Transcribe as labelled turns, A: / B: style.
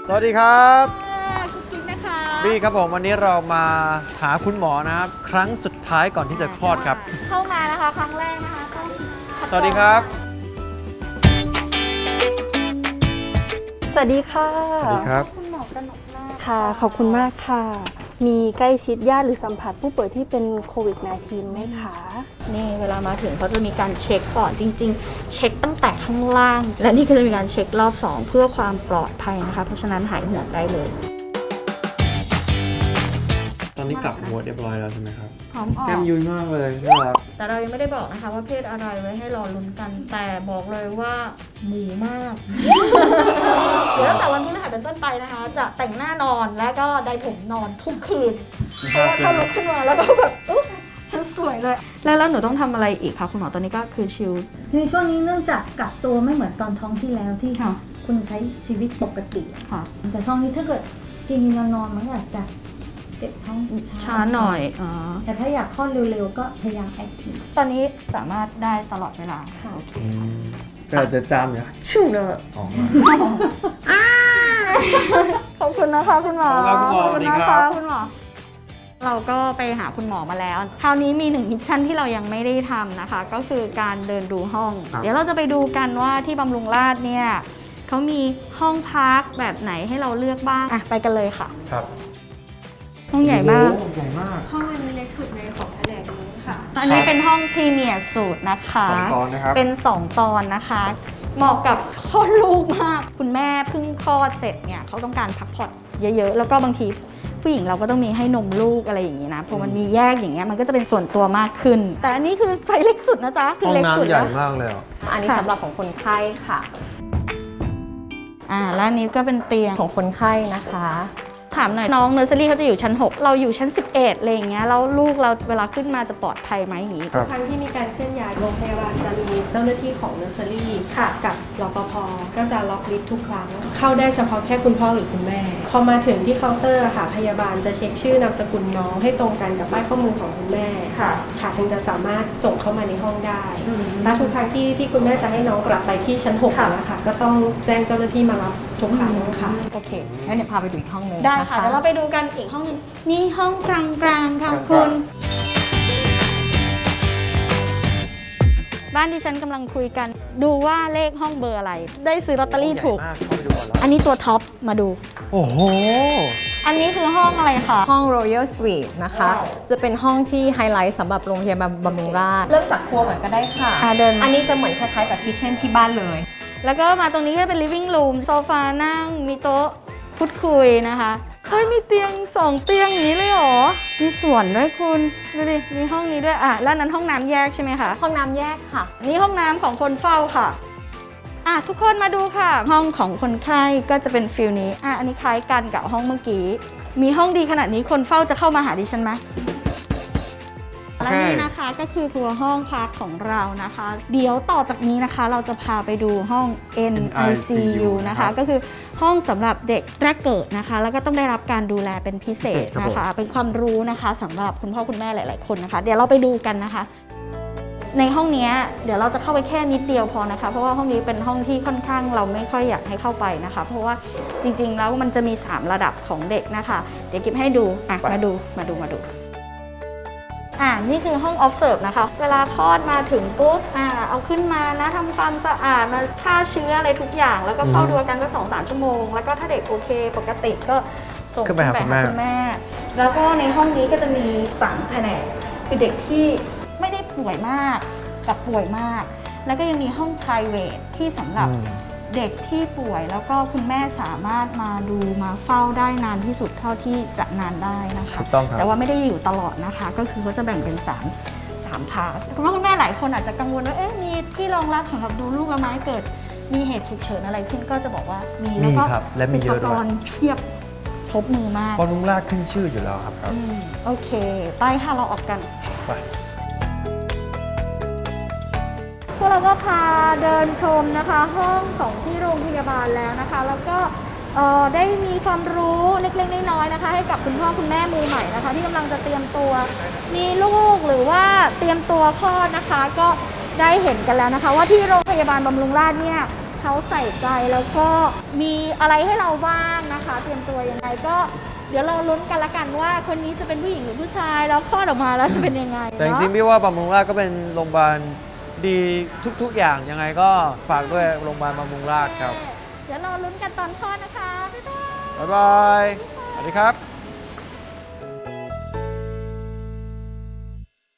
A: สวัสดีครับ
B: กุ๊กกิ๊กนะคะ
A: บี้ครับผมวันนี้เรามาหาคุณหมอนะครับครั้งสุดท้ายก่อนที่จะคลอดครับ
B: เข้ามานะคะครั้งแรกนะคะต้อง
A: สวัสดีครับ
C: สวัสดีค่ะ
A: สวัสดีครับ
B: คุณหมอกนกนาถ
C: ค่ะ ขอบคุณมากค่ะ มีใกล้ชิดญาติหรือสัมผัสผู้ป่วยที่เป็นโควิด -19 ไหมคะ
B: นี่เวลามาถึงเขาจะมีการเช็คก่อนจริงๆ เช็คตั้งแต่ข้างล่าง และนี่ก็จะมีการเช็ครอบ 2 เพื่อความปลอดภัยนะคะ เพราะฉะนั้นหายห่วงได้เลย
A: ตอนนี้กลับหัวเรียบร้อยแล้วใช่ไหมครับ
B: พร้อมออ
A: แก้
B: ก
A: มยุยมากเลยน่ารัก
B: แต่เรายังไม่ได้บอกนะคะว่าเพศอะไรไว้ให้รอลุ้นกัน แต่บอกเลยว่าหมูมาก เดี๋ยวตั้งแต่วันพฤหัสเป็นต้นไปนะคะ จะแต่งหน้านอนและก็ไดผมนอนทุกคืน เพราะว่าถ้าลุกขึ้นมาแล้วก็แบบอุ๊ยฉันสวยเลย แล้วหนูต้องทำอะไรอีกคะคุณหมอตอนนี้ก็คือชิล
D: ในช่วงนี้เนื่องจากกักตัวไม่เหมือนตอนท้องที่แล้วที่
B: ค่ะ
D: คุณใช้ชีวิตปกติ
B: ค่ะ
D: แต่ช่วงนี้ถ้าเกิดกินนอนมันก็อาจจะเจ็บท้อง
B: ช้าหน่อยอ๋อ
D: แต่ถ้าอยากคลอดเร็วๆก็พยายามแอคทีฟ
B: ตอนนี้สามารถได้ตลอดเวลา
D: ค่ะ
B: โอเค
A: ก็อาจจะจามอยู่ชิวนะออกมา
B: ขอบคุณนะคะคุณหมอ
A: ขอบคุณครับคุณหมอ
B: ขอบ
A: สวัสดี
B: นะ
A: ครั
B: คะ
A: บ
B: คุณหมอ เราก็ไปหาคุณหมอมาแล้ว คราวนี้มี1มิชชั่นที่เรายังไม่ได้ทำนะคะ ก็คือการเดินดูห้อง เดี๋ยวเราจะไปดูกันว่าที่บำรุงราษฎร์เนี่ยเขามีห้องพักแบบไหนให้เราเลือกบ้างอ่ะไปกันเลยค่ะ
A: ครับ
B: ห้องใหญ่มาก
A: โอ้โใหญ่มาก
C: ห้องอันนี้เล็กสุดในของแผนกนี้ค่ะ
B: อันนี้เป็นห้องพรีเมียร์สูตรนะคะ
A: 2 ตอนนะครับ
B: เป็น 2 ตอนนะคะ เหมาะกับคลอดลูกมาก คุณแม่เพิ่งคลอดเสร็จเนี่ยเขาต้องการพักผ่อนเยอะๆ แล้วก็บางทีผู้หญิงเราก็ต้องมีให้นมลูกอะไรอย่างนี้นะพอมันมีแยกอย่างเงี้ยมันก็จะเป็นส่วนตัวมากขึ้น แต่อันนี้คือไซส์เล็กสุดนะจ๊ะคื
A: ห้อง
B: เล็กสุด
A: น้ำใหญ่
B: แล้ว
A: มากเลยอ่ะ
E: อันนี้
B: ค่ะ
E: สำหรับของคนไข้ค่ะ
B: แล้วอันนี้ก็เป็นเตียง
E: ของคนไข้นะคะ
B: ถามหน่อยน้องเนอร์เซอรี่เขาจะอยู่ชั้น 6 เราอยู่ชั้น 11อะไรอย่างเงี้ยแล้วลูกเราเวลาขึ้นมาจะปลอดภัยไหมอย่างงี้
A: ครับ
C: ครั้งที่มีการเคลื่อนย้ายโรงพยาบาลจะมีเจ้าหน้าที่ของเนอร์เซอรี่
B: ค่ะ
C: กับรปภก็จะล็อกลิฟต์ทุกครั้ง เข้าได้เฉพาะแค่คุณพ่อหรือคุณแม่ พอมาถึงที่เคาน์เตอร์ค่ะพยาบาลจะเช็คชื่อนามสกุลน้องให้ตรงกันกับป้ายข้อมูลของคุณแม่
B: ค่ะ
C: ค่ะถึงจะสามารถส่งเข้ามาในห้องได้และทุกครั้งที่คุณแม่จะให้น้องกลับไปที่ชั้น6
B: ค่ะ
C: แล้วค่ะก็ต้องแจ้งเจ้าหน้าที่มารับทุกครั้งค่ะ
B: โอเค
E: งั้นเดี๋ยวพาไปดูอีกห้องหนึง
B: ได้
E: นะ
B: ค่ะ
E: คะ
B: เดี๋ยวเราไปดูกันอีกห้องหนึงนี่ห้องกลางๆค่ะ
A: กลางๆ
B: คุณ บ้านที่ฉันกำลังคุยกัน ดูว่าเลขห้องเบอร์อะไร ได้ซื้อลอตเตอรี่ถูก
A: ใหญ่มากเข้าไปดูก่อนแล้ว
B: อันนี้ตัวท็อปมาดู
A: โอ้โห
B: อันนี้คือห้องอะไรคะ
E: ห้อง Royal Suite นะคะ
B: ว้าว
E: จะเป็นห้องที่ไฮไลท์สำหรับโรงพยาบาลบำรุงราษฎร์เริ่มจากครัวก่อนก็ได้ค่ะ
B: เดิน
E: อันนี้จะเหมือนคล้ายๆกับคิทเช่นที่บ้านเลย
B: แล้วก็มาตรงนี้ก็เป็น living room โซฟานั่ง มีโต๊ะพูดคุยนะคะเฮ้ยมีเตียง2เตียงอย่างนี้เลยเหรอ มีสวนด้วยคุณดูดิ มีห้องนี้ด้วยแล้วนั้นห้องน้ำแยกใช่ไหมคะ
E: ห้องน้ำแยกค่ะ
B: นี่ห้องน้ำของคนเฝ้าค่ะทุกคนมาดูค่ะ ห้องของคนไข้ก็จะเป็นฟิลนี้อันนี้คล้ายกันกับห้องเมื่อกี้ มีห้องดีขนาดนี้คนเฝ้าจะเข้ามาหาดิฉันไหม และนี่นะคะก็คือตัวห้องพักของเรานะคะ เดี๋ยวต่อจากนี้นะคะ เราจะพาไปดูห้อง NICU นะคะ ก็คือห้องสำหรับเด็กแรกเกิดนะคะ แล้วก็ต้องได้รับการดูแลเป็นพิเศษนะคะ เป็นความรู้นะคะสำหรับคุณพ่อคุณแม่หลาย ๆ คนนะคะ เดี๋ยวเราไปดูกันนะคะ ในห้องนี้เดี๋ยวเราจะเข้าไปแค่นิดเดียวพอนะคะ เพราะว่าห้องนี้เป็นห้องที่ค่อนข้างเราไม่ค่อยอยากให้เข้าไปนะคะ เพราะว่าจริง ๆ แล้วมันจะมี3ระดับของเด็กนะคะ เดี๋ยวกิ๊บให้ดูมาดูนี่คือห้อง observe นะคะ เวลาคลอดมาถึงปุ๊บเอาขึ้นมานะทำความสะอาดมาฆ่าเชื้ออะไรทุกอย่าง แล้วก็เฝ้าดูอาการก็2-3 ชั่วโมง แล้วก็ถ้าเด็กโอเคปกติก็ส่ง
A: ขึ้นไปหาคุณแม่
B: แล้วก็ในห้องนี้ก็จะมี3แผนกคือเด็กที่ไม่ได้ป่วยมากกับป่วยมาก แล้วก็ยังมีห้อง private ที่สำหรับเด็กที่ป่วยแล้วก็คุณแม่สามารถมาดูมาเฝ้าได้นานที่สุดเท่าที่จะนานได้นะคะ
A: ถูกต้องครับ
B: แต่ว่าไม่ได้อยู่ตลอดนะคะ ก็คือเขาจะแบ่งเป็น3พาร์ทคุณพ่อคุณแม่หลายคนอาจจะกังวลว่ามีที่รองรับสำหรับดูลูกแล้วไหมเกิดมีเหตุฉุกเฉินอะไรขึ้นก็จะบอกว่ามีแล้วก็
A: ครับและมีเยอะด้วย
B: อุปกรณ์เพียบครบมือมาก
A: บอลลุงลากขึ้นชื่ออยู่แล้วครับ
B: โอเคไปค่ะเราออกกัน
A: ไป
B: พวกเราก็พาเดินชมนะคะห้องของที่โรงพยาบาลแล้วนะคะ แล้วก็ได้มีความรู้เล็กๆน้อยๆนะคะ ให้กับคุณพ่อคุณแม่มือใหม่นะคะ ที่กำลังจะเตรียมตัวมีลูกหรือว่าเตรียมตัวคลอดนะคะ ก็ได้เห็นกันแล้วนะคะ ว่าที่โรงพยาบาลบำรุงราษฎร์เนี่ยเขเขาใส่ใจแล้วก็มีอะไรให้เราบ้างนะคะ เตรียมตัวยังไงก็เดี๋ยวเราลุ้นกันละกันว่าคนนี้จะเป็นผู้หญิงหรือผู้ชายแล้วคลอดออกมาแล้วจะเป็นยังไง
A: แต่จ
B: เนาะ
A: ริงๆพี่ว่าบำรุงราษฎร์ก็เป็นโรงพยาบาลดีทุกๆอย่างยังไงก็ฝากด้วยโรงพยาบาลบำรุงราษฎร์ครับ
B: เดี๋ยวเราลุ้นกันตอนคลอดนะคะบ๊ายบาย
A: บ๊ายบาย สวัสดีครับ